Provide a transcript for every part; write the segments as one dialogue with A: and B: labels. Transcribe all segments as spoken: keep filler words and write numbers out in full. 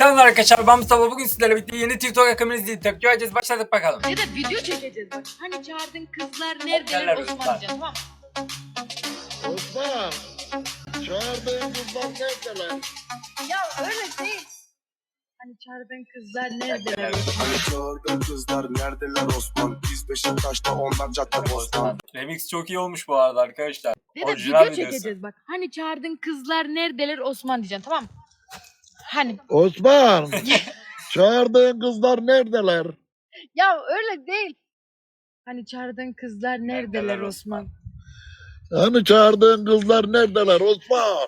A: Selamlar arkadaşlar, ben Mustafa. Bugün sizlerle birlikte yeni TikTok akımını izleyip tepki vereceğiz. Başladık bakalım.
B: Ya da video çekeceğiz bak. Hani çağırdığın kızlar
A: Neredeler
B: neredeler
A: Osman?
B: Osman diyeceğim, tamam.
C: Osman, çağırdığın kızlar neredeler?
B: Ya öyle değil. Hani çağırdığın kızlar neredeler
A: Neredeler?
B: Osman?
C: Çağırdığın kızlar neredeler Osman? Biz Beşiktaş'ta onlar cadde bostan.
A: Remix çok iyi olmuş bu arada arkadaşlar.
B: Ya da
A: Orijinal
B: video
A: videosu.
B: çekeceğiz bak. Hani çağırdığın kızlar neredeler Osman diyeceksin, tamam. Hani
C: Osman, çağırdığın kızlar neredeler?
B: ya öyle değil. Hani çağırdığın kızlar neredeler
A: Neredeler
B: Osman?
C: Hani çağırdığın kızlar neredeler Osman?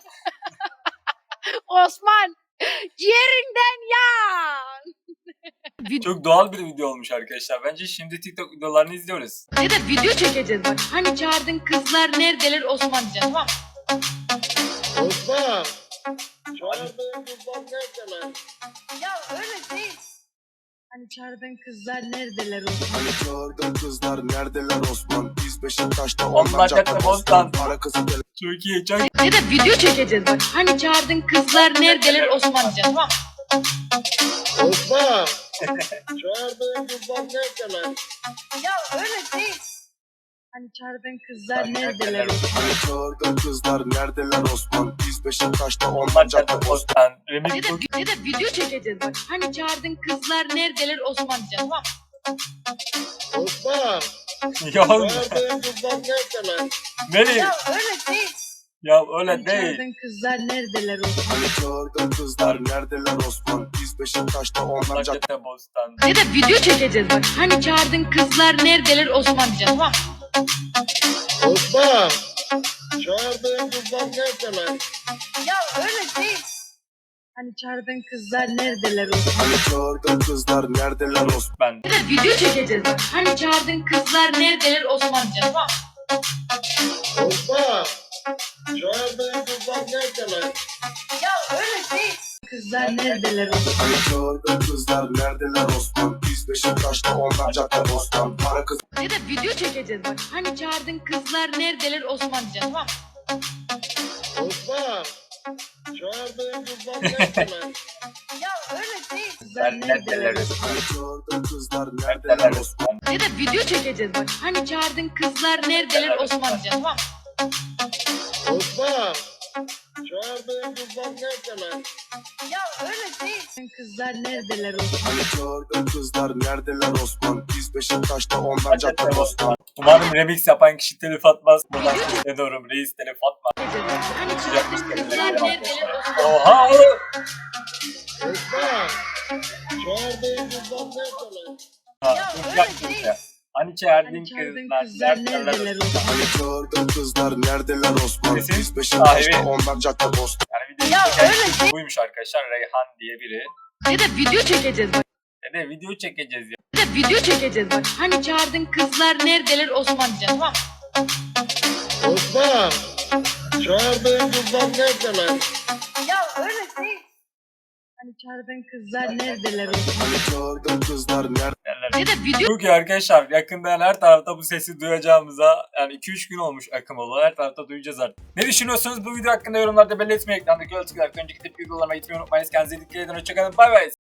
B: Osman yerinden yan.
A: Çok doğal bir video olmuş arkadaşlar. Bence şimdi TikTok videolarını izliyoruz.
B: Ya da video çekeceğiz bak. Hani çağırdığın kızlar neredeler Osman diyeceksin, tamam.
C: Osman, çağırdığın kızlar neredeler?
B: Ya öyle değil. Hani çağırdığın kızlar neredeler Osman?
C: Çağırdığın kızlar neredeler Osman? Biz Beşiktaş'ta
A: Onlar
C: onlar
A: cadde
C: cadde
A: bostan.
C: bostan. Para kızı deli.
A: Çok iyi, çok
B: Ya da video çekeceğiz bak. Hani çağırdığın kızlar neredeler Osman diyeceksin, tamam.
C: Osman, çağırdığın kızlar neredeler?
B: Ya öyle değil. Hani çağırdığın kızlar
A: neredeler
B: neredeler Osman?
C: Çağırdığın kızlar neredeler Osman? Biz Beşiktaş'ta
A: Onlar
C: onlar
A: cadde
C: cadde bostan.
A: bostan.
B: Ya
A: Remix
B: da,
A: çok
B: ya da video çekeceğiz bak. Hani çağırdığın kızlar neredeler Osman diyeceksin, tamam.
C: Osman,
A: iyi olmuş.
C: çağırdığın kızlar neredeler?
A: Nereye?
B: Ya öyle değil.
A: Ya
B: Hani
A: öyle değil.
B: çağırdığın kızlar neredeler Osman?
C: Çağırdığın kızlar neredeler Osman? Biz Beşiktaş'ta onlar
A: Onlar
C: cadde.
A: cadde bostan.
B: Ya da video çekeceğiz bak. Hani çağırdığın kızlar neredeler Osman diyeceksin, tamam.
C: Osman, çağırdığın kızlar neredeler?
B: Ya öyle değil. Hani çağırdığın kızlar neredeler Osman?
C: Çağırdığın kızlar neredeler Osman?
A: Ben.
B: Ya da video çekeceğiz bak. Hani çağırdığın kızlar neredeler Osman diyeceksin, tamam.
C: Osman, çağırdığın kızlar neredeler?
B: Ya öyle değil. Kızlar neredeler Osman?
C: Çağırdığın kızlar neredeler Osman? Biz Beşiktaş'ta onlar cadde bostan. Para kızı
B: Ya da video çekeceğiz bak. Hani çağırdığın kızlar neredeler Osman diyeceksin, tamam.
C: Osman, çağırdığın kızlar neredeler?
B: Ya öyle değil. Kızlar
A: Ben neredeler?
C: Çağırdığın kızlar neredeler Osman?
B: Ya da video çekeceğiz bak. Hani çağırdığın kızlar neredeler Osman diyeceksin, tamam.
C: Osman, çağırdığın kızlar neredeler?
B: Ya öyle değil. Kızlar neredeler Osman?
C: Çağırdığın kızlar neredeler Osman? Biz Beşiktaş'ta onlar cadde bostan.
A: Umarım remix yapan kişi telif atmaz. Buradan sesleniyorum. Reis telif atma.
B: Hani çağırdığın kızlar neredeler Osman?
A: Oha oğlum.
C: Osman, çağırdığın kızlar neredeler?
A: Ha,
B: Ya
A: dur,
B: öyle
A: yapma
B: değil.
A: ya. Hani çağırdın
B: Hani çağırdığın
A: kızlar.
B: kızlar
A: neredeler?
B: neredeler Osman?
C: Çağırdığın kızlar neredeler Osman?
A: Kesin
C: Biz Beşiktaş'ta
A: sahibi.
C: onlar cadde bostan.
A: Yani videoyu
B: Ya
A: çeken
B: öyle
A: kişi
B: değil.
A: buymuş arkadaşlar. Reyhan diye biri.
B: Ya da video çekeceğiz bak.
A: Ne de video çekeceğiz ya.
B: Ya da video çekeceğiz bak. Hani çağırdığın kızlar neredeler Osman diyeceksin, tamam.
C: Osman, çağırdığın kızlar neredeler?
B: Ya öyle değil. Hani çağırdığın kızlar neredeler Osman?
C: Çağırdığın kızlar neredeler?
A: Derler.
B: Ya da video
A: Çok iyi arkadaşlar. Yakında yani her tarafta bu sesi duyacağımıza yani iki üç gün olmuş akım olalı. Her tarafta duyacağız artık. Ne düşünüyorsunuz bu video hakkında yorumlarda belirtmeyi. Ekrandaki ölçüler önceki tepki videolarıma gitmeyi unutmayın. Kendinize dikkat edin. Hoşçakalın. Bay bay.